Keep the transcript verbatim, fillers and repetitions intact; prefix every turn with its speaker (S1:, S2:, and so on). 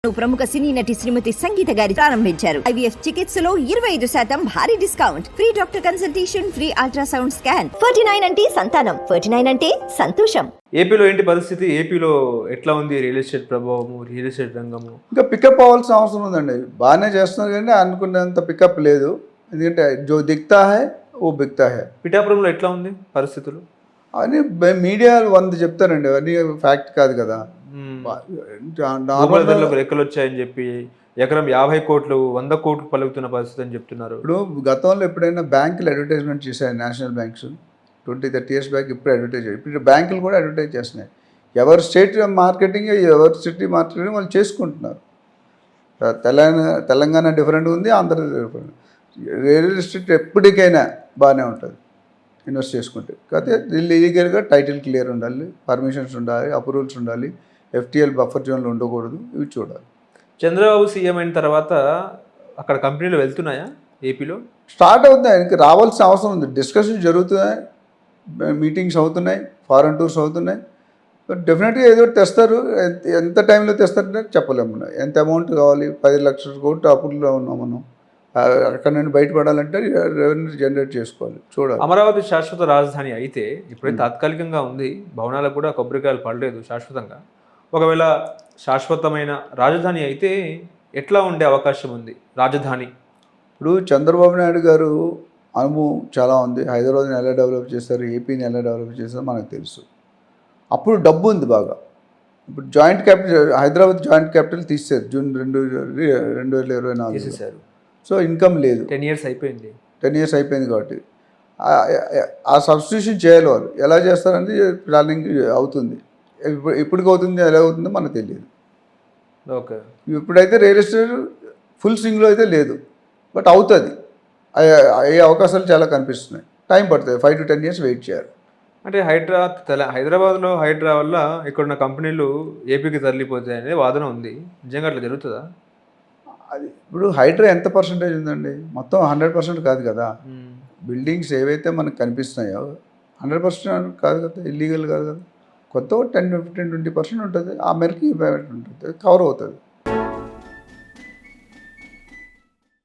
S1: ప్రముఖ సినీ నటి శ్రీమతి సంగీత గారి ప్రారంభించారు. ఐవీఎఫ్ చికిత్సలో ఇరవై ఐదు శాతం భారీ discount, free doctor consultation, free ultrasound scan. Forty nine అంటే సంతానం, ఫార్టీ నైన్ అంటే సంతోషం.
S2: ఏపీలో ఏంటి పరిస్థితి? ఏపీలో ఎట్లా ఉంది రియల్ ఎస్టేట్ ప్రభావము, రియల్ ఎస్టేట్ రంగము?
S3: ఇంకా పికప్ అవ్వాల్సిన అవసరం ఉందండి. బాగానే చేస్తున్నారు కానీ అనుకున్నంత పికప్ లేదు. ఎందుకంటే జో దిక్తా హై ఓ బిక్తా హై.
S2: పిఠాపురంలో ఎట్లా ఉంది పరిస్థితులు?
S3: అని మీడియా వంద చెప్తారండి, అవన్నీ ఫ్యాక్ట్ కాదు కదా.
S2: నార్మల్ ధరలకు లెక్కలు వచ్చాయని చెప్పి ఎకరం యాభై కోట్లు వంద కోట్లు పలుకుతున్న పరిస్థితి అని చెప్తున్నారు.
S3: ఇప్పుడు గతంలో ఎప్పుడైనా బ్యాంకులు అడ్వర్టైజ్మెంట్ చేశాయి, national banks twenty thirty years back ఇప్పుడు అడ్వర్టైజ్ చేయాలి. ఇప్పుడు బ్యాంకులు కూడా అడ్వర్టైజ్ చేస్తున్నాయి. ఎవరి స్టేట్ మార్కెటింగ్ ఎవరి సిటీ మార్కెటింగ్ వాళ్ళు చేసుకుంటున్నారు. తెలంగాణ తెలంగాణ డిఫరెంట్ ఉంది, ఆంధ్ర డిఫరెంట్. రియల్ ఎస్టేట్ ఎప్పటికైనా బాగానే ఉంటుంది ఇన్వెస్ట్ చేసుకుంటే. కాకపోతే ఇల్లీగల్గా టైటిల్ క్లియర్ ఉండాలి, పర్మిషన్స్ ఉండాలి, అప్రూవల్స్ ఉండాలి, ఎఫ్టీఎల్ బఫర్ జోన్లు ఉండకూడదు, ఇవి చూడాలి.
S2: చంద్రబాబు సీఎం అయిన తర్వాత అక్కడ కంపెనీలు వెళ్తున్నాయా ఏపీలో?
S3: స్టార్ట్ అవుతున్నాయి, ఆయనకి రావాల్సిన అవసరం ఉంది. డిస్కషన్ జరుగుతున్నాయి, మీటింగ్స్ అవుతున్నాయి, ఫారెన్ టూర్స్ అవుతున్నాయి. డెఫినెట్గా ఏదో ఒకటి తెస్తారు. ఎంత టైంలో తెస్తారంటే చెప్పలేము. ఎంత అమౌంట్ కావాలి? పది లక్షల కోట్లు అప్పుల్లో ఉన్నాం మనం. అక్కడ నుండి బయటపడాలంటే రెవెన్యూ జనరేట్ చేసుకోవాలి, చూడాలి.
S2: అమరావతి శాశ్వత రాజధాని అయితే ఇప్పుడే తాత్కాలికంగా ఉంది, భవనాలకు కూడా కొబ్బరికాయలు పడలేదు శాశ్వతంగా. ఒకవేళ శాశ్వతమైన రాజధాని అయితే ఎట్లా ఉండే అవకాశం ఉంది రాజధాని?
S3: ఇప్పుడు చంద్రబాబు నాయుడు గారు అనుభవం చాలా ఉంది. హైదరాబాద్ని ఎలా డెవలప్ చేస్తారు, ఏపీని ఎలా డెవలప్ చేస్తారో మనకు తెలుసు. అప్పుడు డబ్బు ఉంది బాగా. ఇప్పుడు joint capital, Hyderabad joint capital తీసేశారు జూన్ రెండు రెండు వేల ఇరవై నాలుగు
S2: తీసేశారు.
S3: సో ఇన్కమ్ లేదు.
S2: టెన్ ఇయర్స్ అయిపోయింది
S3: టెన్ ఇయర్స్ అయిపోయింది కాబట్టి ఆ సబ్స్టిట్యూషన్ చేయాలి. వాళ్ళు ఎలా చేస్తారని ప్లానింగ్ అవుతుంది. ఇప్పుడు ఇప్పటికి అవుతుంది, ఎలా అవుతుందో మనకు తెలియదు.
S2: ఓకే,
S3: ఇప్పుడైతే రియల్ ఎస్టేట్ ఫుల్ స్వింగ్లో అయితే లేదు, బట్ అవుతుంది. అయ్యే అవకాశాలు చాలా కనిపిస్తున్నాయి. టైం పడుతుంది, five to ten years wait చేయాలి.
S2: అంటే హైడ్రా తెల హైదరాబాద్లో హైడ్రా వల్ల ఇక్కడున్న కంపెనీలు ఏపీకి తరలిపోతాయి అనేది వాదన ఉంది. నిజంగా అట్లా జరుగుతుందా?
S3: అది ఇప్పుడు హైడ్రా ఎంత పర్సెంటేజ్ ఉందండి? మొత్తం హండ్రెడ్ పర్సెంట్ కాదు కదా. బిల్డింగ్స్ ఏవైతే మనకు కనిపిస్తున్నాయో హండ్రెడ్ పర్సెంట్ కాదు కదా, ఇల్లీగల్ కాదు కదా. కొత్త టెన్ ఫిఫ్టీన్ ట్వంటీ పర్సెంట్ ఉంటుంది. ఆ మేరకి ఉంటుంది, కవర్ అవుతుంది.